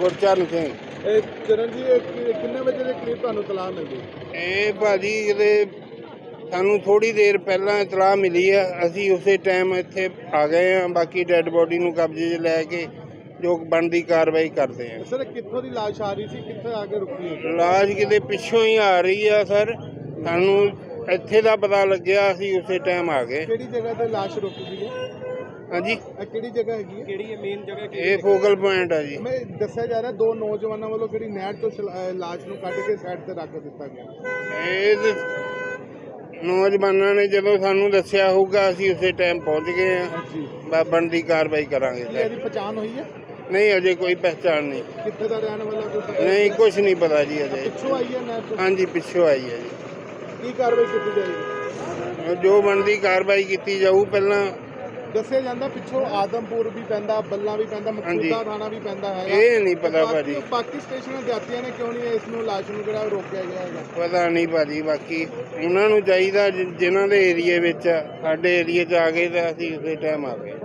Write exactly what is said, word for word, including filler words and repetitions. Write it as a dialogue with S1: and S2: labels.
S1: ਗੁਰਚਰਨ ਸਿੰਘ।
S2: ਇਹ ਚਰਨ ਜੀ ਇਹ ਕਿ- ਕਿੰਨੇ ਵਜੇ ਦੇ ਕਰੀਬ ਤੁਹਾਨੂੰ ਤਲਾਹ ਮਿਲਦੀ?
S1: ਇਹ ਭਾਜੀ ਕਿਤੇ ਸਾਨੂੰ ਥੋੜੀ ਦੇਰ ਪਹਿਲਾਂ ਇਤਲਾਹ ਮਿਲੀ ਆ, ਅਸੀਂ ਉਸੇ ਟਾਈਮ ਇੱਥੇ ਆ ਗਏ ਆ। ਬਾਕੀ ਡੈੱਡ ਬੋਡੀ ਨੂੰ ਕਬਜ਼ੇ 'ਚ ਲੈ ਕੇ ਜੋ ਬਣਦੀ ਕਾਰਵਾਈ ਕਰਦੇ ਆ।
S2: ਸਰ ਕਿੱਥੋਂ ਦੀ ਲਾਸ਼ ਆ ਰਹੀ ਸੀ, ਕਿੱਥੇ ਆ ਕੇ ਰੁਕੀ ਹੈ?
S1: ਲਾਸ਼ ਕਿਤੇ ਪਿੱਛੋਂ ਹੀ ਆ ਰਹੀ ਆ ਸਰ, ਸਾਨੂੰ ਇੱਥੇ ਦਾ ਪਤਾ ਲੱਗਿਆ, ਅਸੀਂ ਉਸੇ ਟਾਈਮ ਆ ਗਏ।
S2: ਕਿਹੜੀ ਜਗ੍ਹਾ ਤੇ ਲਾਸ਼ ਰੁਕੀ ਸੀ?
S1: ਹਾਂਜੀ,
S2: ਇਹ ਕਿਹੜੀ ਜਗ੍ਹਾ ਹੈਗੀ ਹੈ? ਕਿਹੜੀ ਹੈ ਮੇਨ ਜਗ੍ਹਾ?
S1: ਇਹ ਫੋਕਲ ਪੁਆਇੰਟ ਆ ਜੀ।
S2: ਮੈਂ ਦੱਸਿਆ ਜਾ ਰਿਹਾ ਦੋ ਨੌਜਵਾਨਾਂ ਵੱਲੋਂ ਕਿਹੜੀ ਨਹਿਰ ਤੋਂ ਛਲ- ਅਹ ਲਾਸ਼ ਨੂੰ ਕੱਢ ਕੇ ਸਾਈਡ ਤੇ ਰੱਖ ਦਿੱਤਾ ਗਿਆ।
S1: ਇਹ ਤੇ ਨੌਜਵਾਨਾਂ ਨੇ ਜਦੋਂ ਸਾਨੂੰ ਦੱਸਿਆ ਹੋਊਗਾ, ਅਸੀਂ ਉਸੇ ਟਾਈਮ ਪਹੁੰਚ ਗਏ ਆ।
S2: ਜੀ
S1: ਬਸ ਬਣਦੀ ਕਾਰਵਾਈ ਕਰਾਂਗੇ
S2: ਕੀ
S1: ਸਰ।
S2: ਇਹਦੀ ਪਛਾਣ ਹੋਈ ਹੈ?
S1: ਨਹੀਂ, ਅਜੇ ਕੋਈ ਪਹਿਚਾਣ ਨਹੀਂ।
S2: ਕਿੱਥੇ ਦਾ ਰਹਿਣ ਵਾਲਾ ਕੋਈ ਪਤਾ
S1: ਨਹੀਂ, ਕੁਝ ਨਹੀਂ ਪਤਾ ਜੀ ਅਜੇ।
S2: ਪਿੱਛੋਂ ਆਈ ਹੈ ਨਹਿਰ ਤੋਂ?
S1: ਹਾਂਜੀ, ਪਿੱਛੋਂ ਆਈ ਹੈ ਜੀ।
S2: ਕੀ ਕਾਰਵਾਈ ਕੀਤੀ ਜਾਏਗੀ?
S1: ਜੋ ਬਣਦੀ ਕਾਰਵਾਈ ਕੀਤੀ ਜਾਊ। ਪਹਿਲਾਂ
S2: ਦੱਸਿਆ ਜਾਂਦਾ ਪਿੱਛੋਂ ਆਦਮਪੁਰ ਵੀ ਪੈਂਦਾ, ਬੱਲਾ ਵੀ ਪੈਂਦਾ, ਮਕਸੂਦਾ ਥਾਣਾ ਵੀ ਪੈਂਦਾ ਹੈ।
S1: ਇਹ ਨਹੀਂ ਪਤਾ ਭਾਜੀ,
S2: ਬਾਕੀ ਸਟੇਸ਼ਨਾਂ ਜਾਤੀਆਂ ਨੇ ਕਿਉਂ ਨਹੀਂ ਇਸ ਨੂੰ ਲਾਸ਼ ਨੂੰ ਜਿਹੜਾ ਰੋਕਿਆ ਗਿਆ ਹੈਗਾ?
S1: ਪਤਾ ਨਹੀਂ ਭਾਜੀ। ਬਾਕੀ ਉਹਨਾਂ ਨੂੰ ਚਾਹੀਦਾ ਜਿ- ਜਿਨ੍ਹਾਂ ਦੇ ਏਰੀਏ ਵਿੱਚ ਆ, ਸਾਡੇ ਏਰੀਏ 'ਚ ਆ ਗਏ ਤਾਂ ਅਸੀਂ ਉਸੇ ਟਾਈਮ ਆ ਗਏ।